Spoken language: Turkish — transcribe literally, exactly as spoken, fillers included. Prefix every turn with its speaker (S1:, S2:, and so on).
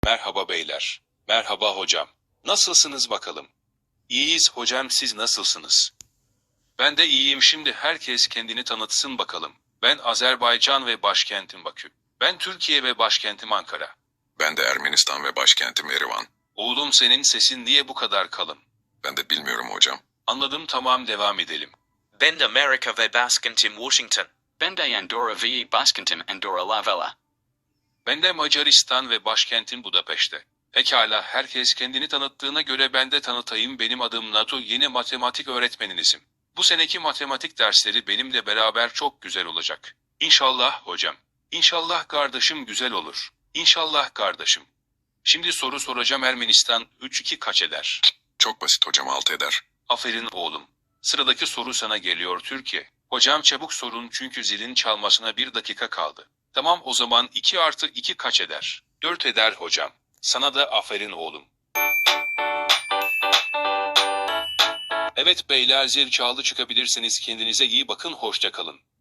S1: Merhaba beyler. Merhaba hocam. Nasılsınız bakalım? İyiyiz hocam, siz nasılsınız? Ben de iyiyim. Şimdi herkes kendini tanıtsın bakalım. Ben Azerbaycan ve başkentim Bakü. Ben Türkiye ve başkentim Ankara.
S2: Ben de Ermenistan ve başkentim Erivan.
S1: Oğlum, senin sesin niye bu kadar kalın?
S2: Ben de bilmiyorum hocam.
S1: Anladım, tamam, devam edelim.
S3: Ben de Amerika ve başkentim Washington.
S4: Ben de Andorra ve başkentim Andorra la Vella.
S1: Ben de Macaristan ve başkentim Budapeşte. Pekala, herkes kendini tanıttığına göre ben de tanıtayım. Benim adım Nato, yeni matematik öğretmeninizim. Bu seneki matematik dersleri benimle beraber çok güzel olacak. İnşallah hocam. İnşallah kardeşim, güzel olur. İnşallah kardeşim. Şimdi soru soracağım. Ermenistan üç iki kaç eder?
S2: Çok basit hocam, altı eder.
S1: Aferin oğlum. Sıradaki soru sana geliyor Türkiye. Hocam çabuk sorun çünkü zilin çalmasına bir dakika kaldı. Tamam, o zaman iki artı iki kaç eder? dört eder hocam. Sana da aferin oğlum. Evet beyler, zil çaldı, çıkabilirsiniz. Kendinize iyi bakın, hoşça kalın.